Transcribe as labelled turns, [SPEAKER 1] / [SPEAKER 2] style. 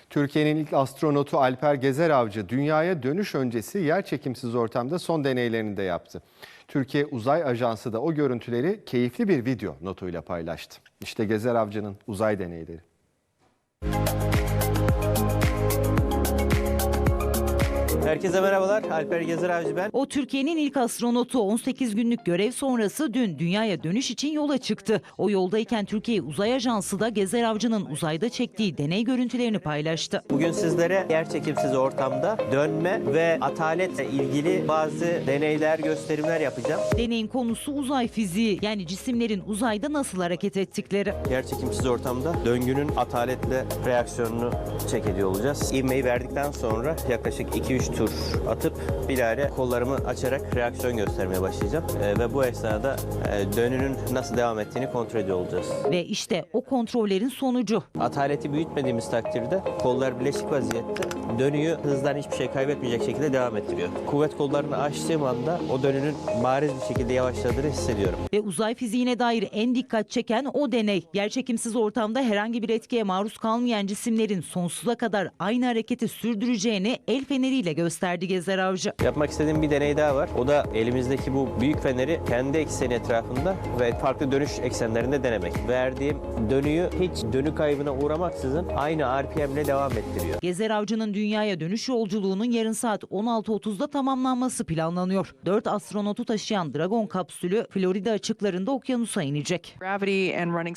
[SPEAKER 1] Türkiye'nin ilk astronotu Alper Gezer-Avcı dünyaya dönüş öncesi yerçekimsiz ortamda son deneylerini de yaptı. Türkiye Uzay Ajansı da o görüntüleri keyifli bir video notuyla paylaştı. İşte Gezer-Avcı'nın uzay deneyleri.
[SPEAKER 2] Herkese merhabalar. Alper Gezer-Avcı ben.
[SPEAKER 3] O Türkiye'nin ilk astronotu 18 günlük görev sonrası dün dünyaya dönüş için yola çıktı. O yoldayken Türkiye Uzay Ajansı da Gezer-Avcı'nın uzayda çektiği deney görüntülerini paylaştı.
[SPEAKER 2] Bugün sizlere yerçekimsiz ortamda dönme ve ataletle ilgili bazı deneyler, gösterimler yapacağım.
[SPEAKER 3] Deneyin konusu uzay fiziği, yani cisimlerin uzayda nasıl hareket ettikleri.
[SPEAKER 2] Yerçekimsiz ortamda döngünün ataletle reaksiyonunu check ediyor olacağız. İvmeyi verdikten sonra yaklaşık 2-3 tur atıp bilahare kollarımı açarak reaksiyon göstermeye başlayacağım. Ve bu esnada dönünün nasıl devam ettiğini kontrol ediyor olacağız.
[SPEAKER 3] Ve işte o kontrollerin sonucu.
[SPEAKER 2] Ataleti büyütmediğimiz takdirde kollar bileşik vaziyette dönüyü hızdan hiçbir şey kaybetmeyecek şekilde devam ettiriyor. Kuvvet kollarını açtığım anda o dönünün bariz bir şekilde yavaşladığını hissediyorum.
[SPEAKER 3] Ve uzay fiziğine dair en dikkat çeken o deney. Yerçekimsiz ortamda herhangi bir etkiye maruz kalmayan cisimlerin sonsuza kadar aynı hareketi sürdüreceğini el feneriyle gösterdi Gezer-Avcı.
[SPEAKER 2] Yapmak istediğim bir deney daha var. O da elimizdeki bu büyük feneri kendi ekseni etrafında ve farklı dönüş eksenlerinde denemek. Verdiğim dönüyü hiç dönü kaybına uğramaksızın aynı RPM ile devam ettiriyor.
[SPEAKER 3] Gezer-Avcı'nın dünyaya dönüş yolculuğunun yarın saat 16.30'da tamamlanması planlanıyor. 4 astronotu taşıyan Dragon kapsülü Florida açıklarında okyanusa inecek.